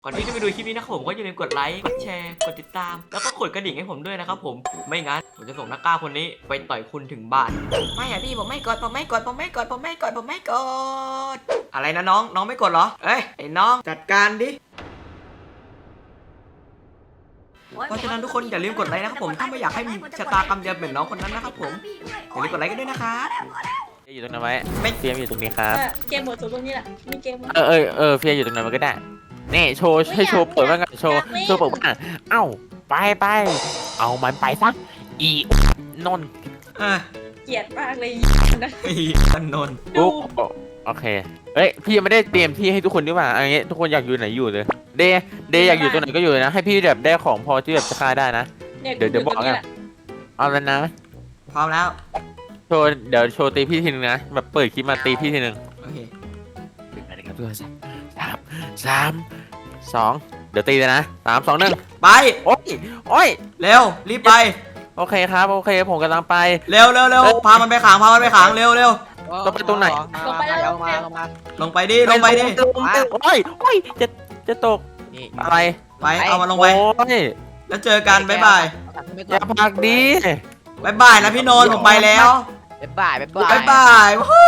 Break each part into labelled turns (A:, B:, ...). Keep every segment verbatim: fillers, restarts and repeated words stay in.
A: ก่อนที่จะไปดูคลิปนี้นะครับผมก็อย่าลืมกดไลค์กดแชร์กดติดตามแล้วก็กดกระดิ่งให้ผมด้วยนะครับผมไม่งั้นผมจะส่งนักกล้าคนนี้ไปต่อยคุณถึงบ้านไม่อะพี่ผมไม่กดผมไม่กดผมไม่กดผมไม่กดผมไม่กดอะไรนะน้องน้องไม่กดเหรอเอ้ยไอ้น้องจัดการดิเพราะฉะนั้นทุกคนอย่าลืมกดไลค์นะครับผมถ้าไม่อยากให้มีชะตากรรมเดียวเหมือนน้องคนนั้นนะครับผมอย่าลืมกดไลค์กันด้วยนะครับ
B: อยู่ตรงนั้นไว้ไม่เฟียมอยู่ตรงนี้ครับ
C: เกมหมดตรงนี้แหละมีเกม
B: เออเออเออเฟียอยู่ตรงนั้นมันก็ได้นี่โชว์ให้โชว์เปิดบ้างกันโชว์โชว์เปิดบ้างเอ้าไปไปเอามันไปซะอีนน
A: อ่ะ
C: เกลียดมากเลยนะ
A: ไอ้ตันนน
B: ปุ๊บโอเคเอ้ยพี่ยังไม่ได้เตรียมที่ให้ทุกคนดีกว่าอันนี้ทุกคนอยากอยู่ไหนอยู่เลยเดย์เดย์อยากอยู่ตรงไหนก็อยู่เลยนะให้พี่แบบได้ของพอที่แบบจะฆ่าได้นะเดี๋ยวเดี๋ยวบอกกันเอาแล้วนะ
A: พร้อมแล้ว
B: โชว์เดี๋ยวโชว์ตีพี่ทีนึงนะแบบเปิดคลิปมาตีพี่ทีนึง
A: โอเค
B: สามสามสองเดี๋ยวตีเลยนะสามสองหนึ่ง
A: ไป
B: โอ้ยโอ้ย
A: เร็วรีบไป
B: โอเคครับโอเคผมกำลังไป
A: เร็วเร็วเร็วพามันไปขังพามันไปขังเร็วเร็ว
B: ต้องไปตรงไหน
C: ลงไปแล้ว
D: ลงมาลงมา
A: ลงไปดิลงไปดิ
B: ลงไปโอ้ยโอ้ยจะจะตก
D: นี่
B: อะไร
A: ไปเอามันลงไป
B: โอ้ย
A: แล้วเจอกันบ๊ายบาย
B: อย่าพักดี
A: บ๊ายบายนะพี่โนนผมไปแล้ว
D: บ๊ายบายบ๊ายบาย
A: บ๊ายบายวู้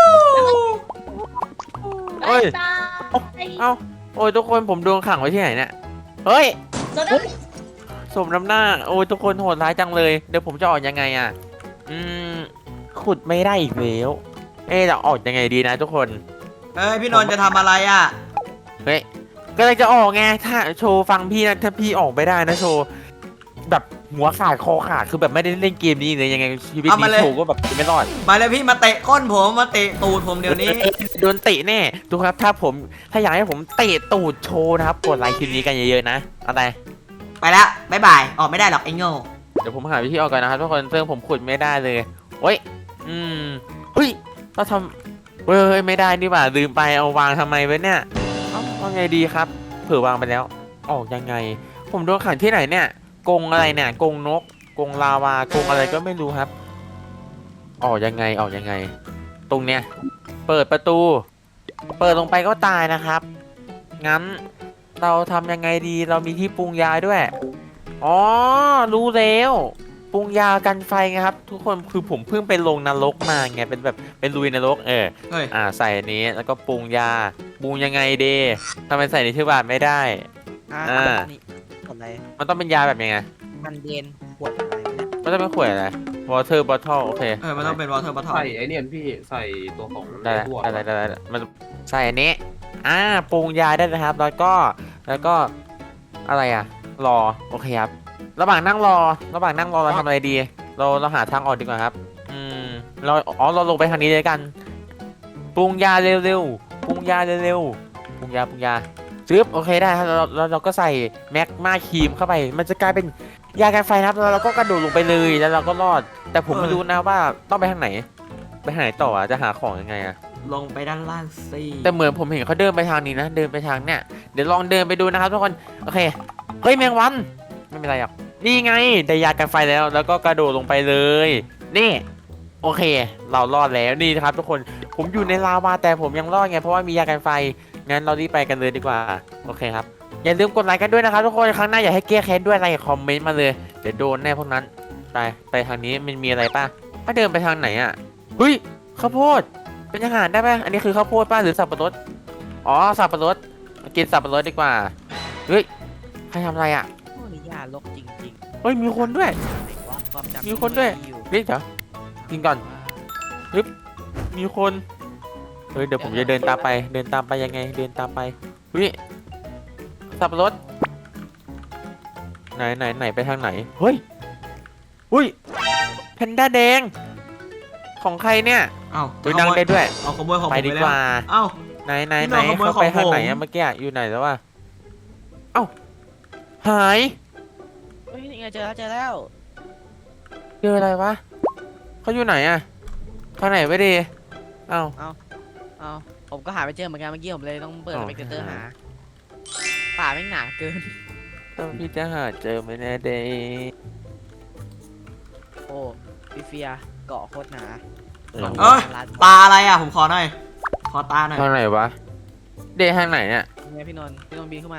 B: โอ้ย
C: ตา
B: เอ้าโอ้ยทุกคนผมโดนขังไว้ที่ไหนเนี่ยเฮ้ย
C: โดนแล้ว
B: สมน้ำหน้าโอ้ยทุกคนโหดร้ายจังเลยเดี๋ยวผมจะออกยังไงอ่ะอืมขุดไม่ได้อีกแล้วเอ๊ะจะออกยังไงดีนะทุกคน
A: เฮ้ยพี่โนนจะทำอะไรอ่ะ
B: เฮ้ยก็เลยจะออกไงถ้าโชว์ฟังพี่นะถ้าพี่ออกไม่ได้นะโชว์แบบหัวขาดคอขาดคือแบบไม่ได้เล่นเกมนี้เลยยังไงชีวิตนี้โชว์ก็แบบไม่รอด
A: มาเลยพี่มาเตะก้นผมมาเตะตูดผมเดี๋ยวนี้
B: โดนเตะแน่ดูครับถ้าผมถ้าอยากให้ผมเตะตูดโชว์นะครับกดไลค์คลิปนี้กันเยอะๆนะอะไร
A: ไปแล้วบ๊ายบายออกไม่ได้หรอกไอ้โง่
B: เดี๋ยวผมหาวิธีออกก่อนนะครับทุกคนซึ่งผมขุดไม่ได้เลยโอ้ยอืมเฮ้ยเราทำเฮ้ยไม่ได้นี่หว่าลืมไปเอาวางทำไมไว้เนี่ยเอ้าว่าไงดีครับเผื่อวางไปแล้วออกยังไง ผมโดนขังที่ไหนเนี่ยกรงอะไรเนี่ยกรงนกกรงลาวากรงอะไรก็ไม่รู้ครับออกยังไงออกยังไง ตรงเนี้ยเปิดประตู เปิดลงไปก็ตายนะครับงั้นเราทำยังไงดีเรามีที่ปรุงยาด้วยอ๋อรู้แล้วปรุงยากันไฟไงครับทุกคนคือผมเพิ่งไปลงนรกมาไงเป็นแบบเป็นลุยนรกเออ
A: เฮ้ย
B: อ่าใส่อันนี้แล้วก็ปรุงยาปรุงยังไงเดทำไมใส่ในที่บาทไม่ได้
D: อ่า
B: อ่า
D: นี่ขวดอะไร
B: มันต้องเป็นยาแบบยังไง
D: มันเย็นขวดอะไรเนี่ย
B: มันต้องเป็นขวดอะไร water bottle โอเค
A: เออมันต้องเป็นวอเตอร์บัตทอ
E: ใส่ไอเนี่ยพี่ใส่ตัวของ
B: ได้
E: ทั่ว
B: ได้ได้ได้ได้มันใส่อันนี้อ่าปรุงยาได้นะครับแล้วก็แล้วก็อะไรอ่ะรอโอเคครับระหว่างนั่งรอระหว่างนั่งรอเราทำอะไรดี เราเราหาทางออกดีกว่าครับอืมเราอ๋อเราลงไปทางนี้เลยกันปรุงยาเร็วๆปรุงยาเร็วๆปรุงยาปรุงยาซึบโอเคได้ครับเราเราเราก็ใส่แมกมาครีมเข้าไป มันจะกลายเป็นยากันไฟนะครับแล้วเราก็กระโดดลงไปเลยแล้วเราก็รอด แต่ผมไม่รู้นะว่าต้องไปทางไหนไปทางไหนต่ออ่ะจะหาของยังไงอ่ะ
A: ลงไปด้านล่างสิ
B: แต่เหมือนผมเห็นเขาเดินไปทางนี้นะเดินไปทางเนี้ยเดี๋ยวลองเดินไปดูนะครับทุกคนโอเคเฮ้ยแมงวันไม่เป็นไรหรอกนี่ไงได้ยากันไฟแล้ว แล้วก็กระโดดลงไปเลยนี่โอเค เรารอดแล้วนี่นะครับทุกคนผมอยู่ในลาวาแต่ผมยังรอดไงเพราะว่ามียากันไฟงั้นเรารีบไปกันเลยดีกว่าโอเคครับอย่าลืมกดไลค์กันด้วยนะครับทุกคนครั้งหน้าอยากให้แก้แค้นด้วยอะไรคอมเมนต์มาเลยเดี๋ยวโดนแน่พวกนั้นไปไปทางนี้มันมีอะไรป่ะถ้าเดินไปทางไหนอ่ะเฮ้ยข้าวโพดเป็นอาหารได้ไหมอันนี้คือข้าวโพดป่ะหรือสับปะรดอ๋อสับปะรดกินสับปะรดดีกว่าเฮ้ยใครทำอะไรอ่ะ
D: โอ้นี่ยาลกจริง
B: เฮ้ยมีคนด้วย
D: ๆไหนวะความจำ
B: มีคนด้วย
D: อยู่
B: เฮ้ยเดี๋ยวกินก่อนมีคนเฮ้ยเดี๋ยวผมจะเดินตามไปเดินตามไปยังไงเดินตามไปเฮ้ยสับปะรดไหนไหนไหนไปทางไหนเฮ้ยอุ้ยแพนด้าแดงของใครเนี่ย
A: เอ้า
B: อุ้ยนั่งได้ด้วย
A: เอาขโมยของผม
B: ไปดี
A: ไป
B: ก
A: แล้ว
B: ว่า
A: เอ้า
B: ไหนไหน
A: พี่
B: ไหน
A: น้องขโมย
B: เขาไป
A: ของผม
B: ทางไหนอะเมื่อกี้อะอยู่ไหนแล้ววะเอ้าหาย
D: เฮ้ยนี่ไงเจอแล้วเจอแล้ว
B: เจออะไรวะเขาอยู่ไหนอะทางไหนไปดีเอ้า
D: เอาผมก็หาไม่เจอเหมือนกันเมื่อกี้ผมเลยต้องเปิด
B: อ๋
D: ส
B: อ
D: เปกเตอร์หาป่าแม่งหนาเกิน
B: ต้องพี่จะหาเจอไหมแน่เดย์
D: โอ้พี่เฟียเกาะโคตรหนา
A: เอ้ยตาอะไรอ่ะผมขอหน่อยขอตาหน่อย
B: ทางไหนวะเดย์ทางไหนเนี่ย
D: เนี่ยพี่นนท์พี่นนท์บินเข้ามาดิ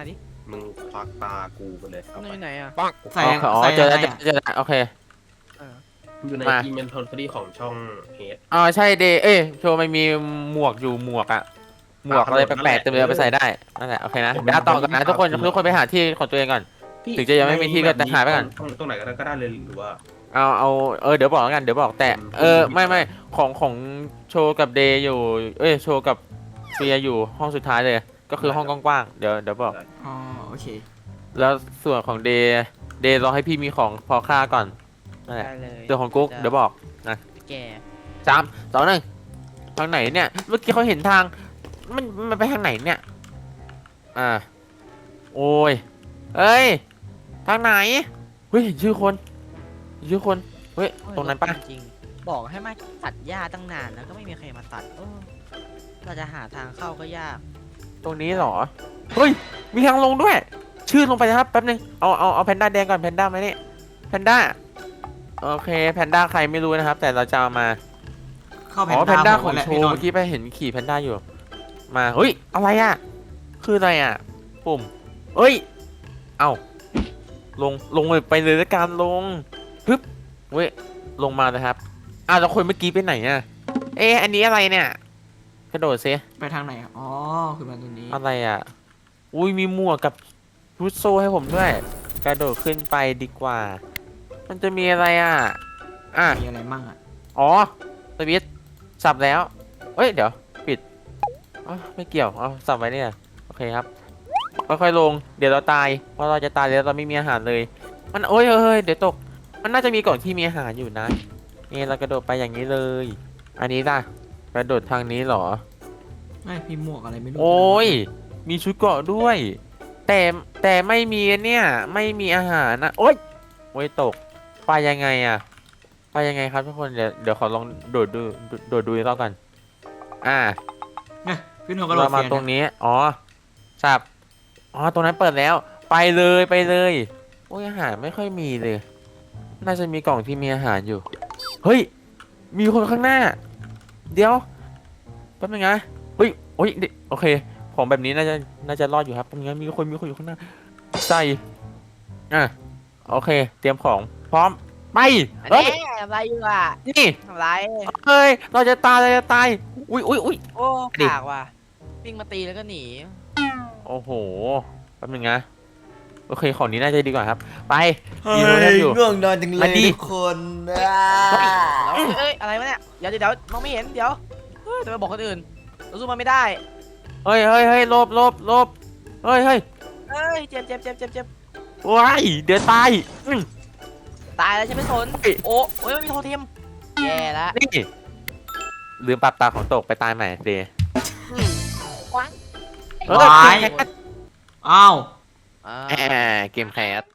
E: มึงควักตากูไปเลยเอา
D: มัน
E: ไป
D: อยู่ไหนอ่ะ
A: ใส่
B: อ๋อ
A: ใส่
B: เจอ
A: ยั
B: แล้ว
A: งไง
B: เจอ
A: อะ
B: เจอแล้วโอเค
D: เออ
E: อยู่ใน
B: มา
E: อีเมนทอนฟรีของช่องเฮด
B: อ๋อใช่เดย์เอ้ยโชว์มันมีหมวกอยู่หมวกอะหมวกอะไรแปลกๆเต็มเลยเอาไปใส่ได้นั่นแหละโอเคนะเดี๋ยวต่อกันนะทุกคนทุกคนไปหาที่ของตัวเองก่อน ถึงจะยังไม่มีที่ก็จะหาไปก่อน
E: ตรงตรงไหนก็ได้ก็ได้เลยหรือว่า
B: เอาเอาเออเดี๋ยวบอกแล้วกันเดี๋ยวบอกแต่
E: ผม
B: เออ
E: ผม
B: ไม่ไม่ของของโชว์กับเดย์อยู่เอ้ยโชว์กับเฟียอยู่ห้องสุดท้ายเลย ก็คือห้องกว้างๆเดี๋ยวเดี๋ยวบอก
A: อ๋อโอเค
B: แล้วส่วนของเดย์เดย์รอให้พี่มีของพอค่าก่อนนั่นแหละ
D: ได้เลย
B: ส่วนของกุ๊กเดี๋ยวบอกนะ
D: แก
B: สามสองหนึ่งทางไหนเนี่ยเมื่อกี้เขาเห็นทางมันมันไปทางไหนเนี่ยอ่าโอ้ยเอ้ยทางไหนเฮ้ยเห็นชื่อคนเห็นชื่อคนเฮ้ยตรงนั้นปะ
D: จริงๆบอกให้มาตัดหญ้าตั้งนานแล้วก็ไม่มีใครมาตัดเออเราจะหาทางเข้าก็ยาก
B: ตรงนี้เหรอเฮ้ยมีทางลงด้วย ชื่อลงไปนะครับแป๊บนึงเอาเอาเอาแพนด้าแดงก่อนแพนด้ามานี่แพนด้าโอเคแพนด้าใครไม่รู้นะครับ แต่เราจะเอามา
A: เข้าแพ
B: อ๋
A: น
B: อแพ
A: ด้าน
B: ด้า
A: ผ
B: ของ
A: มแหละ
B: โช
A: พี่
B: ว์
A: นน
B: เมื่อ
A: ท์
B: กี้ไปเห็นขี่แพนด้าอยู่ มาเฮ้ยอะไรอ่ะคืออะไรอ่ะปุ่มเอ้ยเอ้าลงลงไปเลยละกันลงฮึบเว้ยลงมานะครับอ้าวแล้วคนเมื่อกี้ไปไหนอ่ะเอ๊ะอันนี้อะไรเนี่ยกระโดดซิ
A: ไปทางไหนอะอ๋อคือมันตรงนี้
B: อะไรอ่ะอุ้ยมีหมวกกับชุดโซ่ให้ผมด้วย กระโดดขึ้นไปดีกว่า มันจะมีอะไรอ่ะอ่ะ
A: มีอะไรมั่งอะ
B: อ๋อสวิตช์สับแล้วเอ้ย เดี๋ยว ปิดอ๋อไม่เกี่ยวเอาสับไว้เนี่ยโอเคครับ ค่อยๆลง เดี๋ยวเราตาย เพราะเราจะตายแล้วเราไม่มีอาหารเลย มันโอ้ยเฮ้ย เดี๋ยวตก มันน่าจะมีกล่องที่มีอาหารอยู่นะ นี่เรากระโดดไปอย่างนี้เลย อันนี้ล่ะ กระโดดทางนี้เหรอ
A: ไม่พี่หมวกอะไรไม่รู้
B: โอ้ย มีชุดเกราะด้วย แต่แต่ไม่มีเนี่ย ไม่มีอาหารนะ โอ้ยโอ้ยตก ไปยังไงอะไปยังไงครับทุกคน เดี๋ยวเดี๋ยวขอลองโดดดูโดดดูอีกรอบกัน อ่า
A: เนี่ยพี่นนท์ก็โด
B: เรา
A: ด
B: มา
A: เสีย
B: ตรงนี้ อ๋อสับอ๋อ ตรงนั้นเปิดแล้ว ไปเลยไปเลย โอ้ยอาหารไม่ค่อยมีเลย น่าจะมีกล่องที่มีอาหารอยู่ เฮ้ย มีคนข้างหน้า เดี๋ยวแป๊บนึงนะเฮ้ยโอ้ยเดี๋ยวโอเค ของแบบนี้น่าจะน่าจะรอดอยู่ครับแป๊บนึงนะมีคนมีคนอยู่ข้างหน้า ใส่ อ่ะ โอเค เตรียมของ พร้อม ไป
D: อัน
B: เฮ้ย
D: นี้ทำไรอยู่อ่ะ
B: นี่
D: ทำไร
B: เฮ้ย เราจะตาย เราจะตาย อุ้ยอุ้ยอุ้ย
D: โอ้
B: ดิ
D: ขากว่ะวิ่งมาตีแล้วก็หนี
B: โอ้โห แป๊บนึงนะ โอเค ของนี้น่าจะดีกว่าครับ ไป
A: เฮ้
B: มีโทรศัพท์
A: ย
B: อยู่
A: ง่วงนอนจังเล
B: มาย ดิ
A: ทุกคนอ่า
D: เอ้ยเอ้ยอะไรวะเนี่ยเดี๋ยวเดี๋ยวเดี๋ยวมองไม่เห็นเดี๋ยวเฮ้ยแต่ไปบอกคนอื่นเราสู้มันไม่ได้
B: เฮ้ยเฮ้ยเฮ้ยหลบหลบหลบเฮ้ยเฮ้ย
D: เอ้ยเจ็บเจ็บเจ็บเจ็บเจ็บ
B: ว้ายเดี๋ยวตายอืม
D: ตายแล้วฉันไม่สน
B: เฮ้ย
D: โอ้โอ้ยไม่มีโทรเทมแย่ละ
B: นี่ ลืมปรับตาของตกไปตายใหม่เดย์
D: ว้าง
B: เออ
A: วาย
B: เกมแคส
A: อ้าว
D: อ่า
B: แหมเกมแคส